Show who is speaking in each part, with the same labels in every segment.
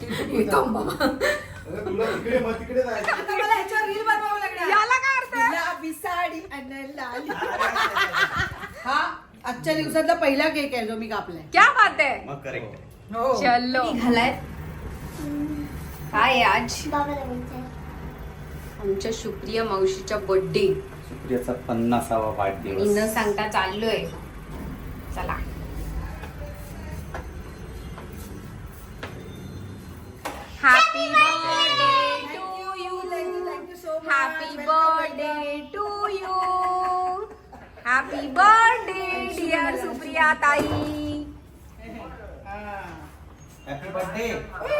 Speaker 1: तुला तिकडे मग तिकडे जायचं.
Speaker 2: आता मला ह्याच्यावर रील बनवावं लागणार.
Speaker 3: याला काय अर्थ आहे?
Speaker 2: गुलाबी साडी आणि लाली. हा आजच्या दिवसातला पहिला केक आहे जो मी कापलाय.
Speaker 3: क्या बात आहे.
Speaker 4: मग करेक्ट.
Speaker 2: हो
Speaker 3: चलो निघालाय. काय आज आमच्या सुप्रिया मावशीचा बर्थडे
Speaker 4: सुप्रियाचा 50वा
Speaker 3: आणि
Speaker 4: वाढदिवस.
Speaker 3: न सांगता चाललोय. चला happy birthday to you. Happy birthday to you. Happy birthday dear Supriya ताई.
Speaker 4: Happy birthday.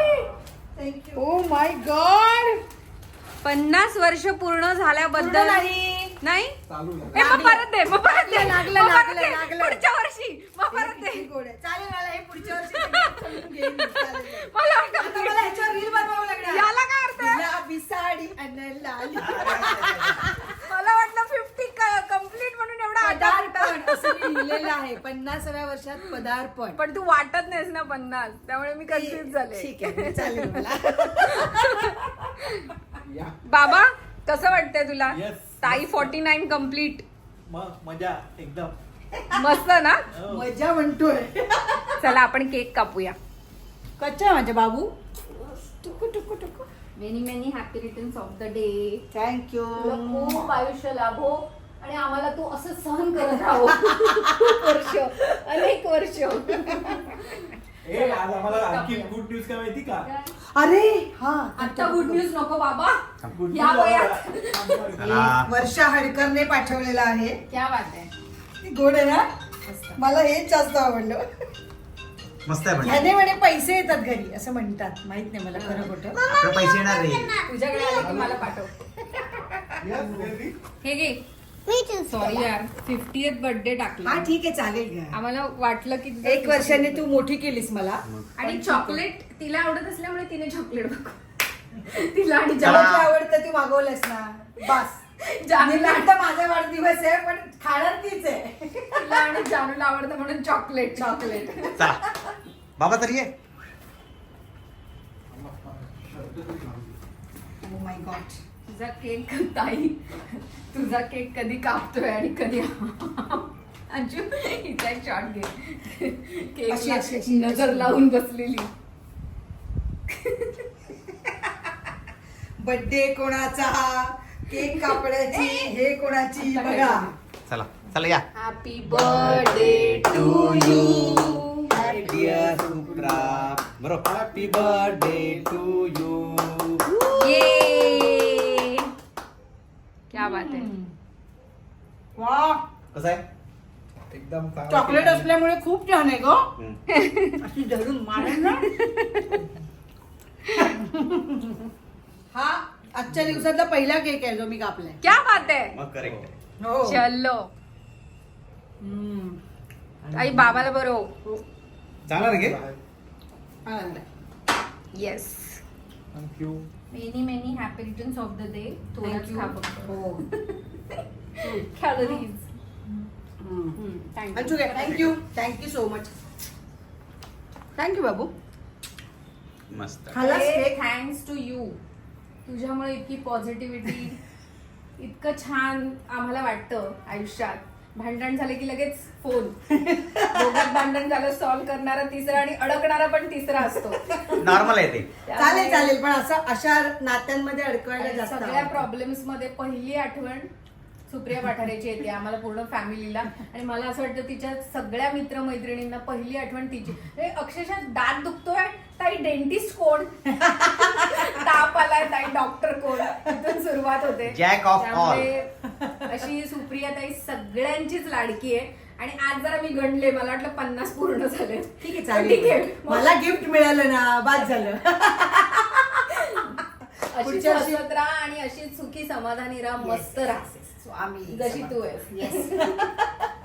Speaker 2: Oh my god.
Speaker 3: 50 वर्ष पूर्ण झाल्याबद्दल नाही
Speaker 1: चालू
Speaker 3: ए, मग परत दे, मग परत दे,
Speaker 2: लागलं,
Speaker 3: मग परत
Speaker 2: लागलं,
Speaker 3: दे.
Speaker 2: लागलं.
Speaker 3: पुढच्या वर्षी मग परत दे.
Speaker 2: चालेल मला हे पुढच्या वर्षी समजून घेईन मी. चालेल.
Speaker 3: मला
Speaker 2: आता मला ह्याच्यावर रील बनवावं लागणार.
Speaker 3: याला काय अर्थ आहे?
Speaker 2: गुलाबी साडी आणि लाली.
Speaker 3: मला वाटलं 50 कम्प्लीट म्हणून एवढा आधार
Speaker 2: पदार्पण असं मी लिहिलेलं आहे. 50व्या वर्षात पदार्पण.
Speaker 3: पण तू वाटत नाहीस ना 50, त्यामुळे मी कन्फ्युज झाले.
Speaker 2: ठीक आहे चालेल मला.
Speaker 1: या.
Speaker 3: बाबा कसं वाटतंय तुला?
Speaker 1: Yes.
Speaker 3: ताई 49 कम्प्लीट.
Speaker 1: मग मजा एकदम.
Speaker 3: मस्त ना.
Speaker 1: हो.
Speaker 2: मजा म्हणतोय.
Speaker 3: चला आपण केक कापूया.
Speaker 2: कच्चा आहे माझ्या बाबू. टुकू टुकू टुकू.
Speaker 3: Many many happy returns of the day.
Speaker 2: Thank you.
Speaker 3: तुला खूप आयुष्य लाभो आणि आम्हाला तू असं सहन करत राहो. खूप वर्ष, अनेक वर्ष.
Speaker 1: ए आज आम्हाला आणखी गुड न्यूज काय माहिती का?
Speaker 2: अरे हा
Speaker 3: आता गुड न्यूज नको बाबा.
Speaker 1: Good
Speaker 3: या
Speaker 1: news
Speaker 3: वयात.
Speaker 4: चला.
Speaker 2: वर्षा हडकरने पाठवलेला आहे.
Speaker 3: क्या बात आहे.
Speaker 2: ती गोड आहे ना. मला हेच जास्त आवडलं.
Speaker 4: मस्त आहे पण.
Speaker 2: ह्याने म्हणे पैसे येतात घरी असं म्हणतात. माहित नाही मला खरं खोटं.
Speaker 4: आपले पैसे येणार रे.
Speaker 3: तुझ्याकडे आले की मला पाठव.
Speaker 1: Yes, really?
Speaker 3: हे घे. सॉरी यार 50th बर्थडे टाकला.
Speaker 2: हा ठीक आहे चालेल घ्या.
Speaker 3: आम्हाला वाटलं की
Speaker 2: 1 वर्षाने तू मोठी केलीस मला.
Speaker 3: आणि चॉकलेट तिला आवडत असल्यामुळे तिने चॉकलेट बघ. तिला आणि
Speaker 2: जेव्हा
Speaker 3: जानू-
Speaker 2: तुला आवडतं तू मागवलंस ना बस.
Speaker 3: जानूला
Speaker 2: आता माझा वाढदिवस आहे पण खाणार तीच आहे.
Speaker 3: तिला आणि जानूला आवडतं म्हणून चॉकलेट.
Speaker 2: चॉकलेट.
Speaker 4: चला बाबा तर ये.
Speaker 2: ओ माय गॉड.
Speaker 3: तुझा केक ताई तुझा केक कधी कापतोय आणि कधी अंजू हिचा एक शॉट घे.
Speaker 2: अशी, अशी,
Speaker 3: केक
Speaker 2: अशी.
Speaker 3: नजर लावून बसलेली.
Speaker 2: बर्थडे कोणाचा केक कापण्याची हे कोणाची बघा.
Speaker 4: चला चला या.
Speaker 3: Happy birthday to you.
Speaker 4: Dear Supra. बरोबर. Happy birthday to you.
Speaker 3: ये क्या बात आहे.
Speaker 2: वा
Speaker 4: कसं आहे?
Speaker 1: एकदम चांगला
Speaker 2: चॉकलेट
Speaker 1: केक आहे.
Speaker 2: असल्यामुळे खूप छान आहे ग.
Speaker 4: हम्म.
Speaker 2: अशी धरून मारेल ना. हा आजच्या दिवसातला पहिला केक आहे जो मी कापलाय.
Speaker 3: क्या बात आहे.
Speaker 4: मग करेक्ट.
Speaker 2: हो.
Speaker 3: चलो
Speaker 2: हम्म.
Speaker 3: आई बाबाला बरोबर.
Speaker 4: चांगला रे घे.
Speaker 2: आनंद.
Speaker 3: Yes.
Speaker 1: Thank you.
Speaker 3: Many many happy returns of the day.
Speaker 2: Thank you. हो.
Speaker 3: Calories.
Speaker 2: Anshu thank you. Thank you so much. Thank you बाबू.
Speaker 4: मस्त.
Speaker 2: खाल्लास केक?
Speaker 3: Thanks to you. तुझ्यामुळे इतकी पॉझिटिव्हिटी इतकं छान आम्हाला वाटतं आयुष्यात. भांडण झाले की लगेच फोन. दोघात भांडण झालं सॉल्व्ह करणारा तिसरा आणि अडकणारा पण तिसरा असतो.
Speaker 4: नॉर्मल आहे ते.
Speaker 2: चालेल चालेल पण असं अशा नात्यांमध्ये अडकवायला
Speaker 3: आणि
Speaker 2: जास्त
Speaker 3: सगळ्या
Speaker 2: आवडतं.
Speaker 3: प्रॉब्लेम्स मध्ये पहिली आठवण सुप्रिया पाठारेची येते आम्हाला पूर्ण फॅमिलीला. आणि मला असं वाटतं तिच्या सगळ्या मित्रमैत्रिणींना पहिली आठवण तिची. अक्षरशः दात दुखतोय ताई डेंटिस्ट कोण. ताप आलाय ताई डॉक्टर कोण. इथून सुरुवात होते.
Speaker 4: Jack of all.
Speaker 3: त्यामुळे अशी सुप्रिया ताई सगळ्यांचीच लाडकी आहे. आणि आज जरा मी गणले मला वाटलं 50 पूर्ण झाले.
Speaker 2: ठीक आहे
Speaker 3: ठीक
Speaker 2: चालेल.
Speaker 3: आहे.
Speaker 2: मला गिफ्ट मिळालं ना बाद झालं.
Speaker 3: अशीच
Speaker 2: पुढच्या वर्षी-
Speaker 3: हसत राहा आणि अशीच सुखी समाधानी राहा. मस्त राहा
Speaker 2: स्वामी
Speaker 3: जशी तू आहेस.
Speaker 2: येस.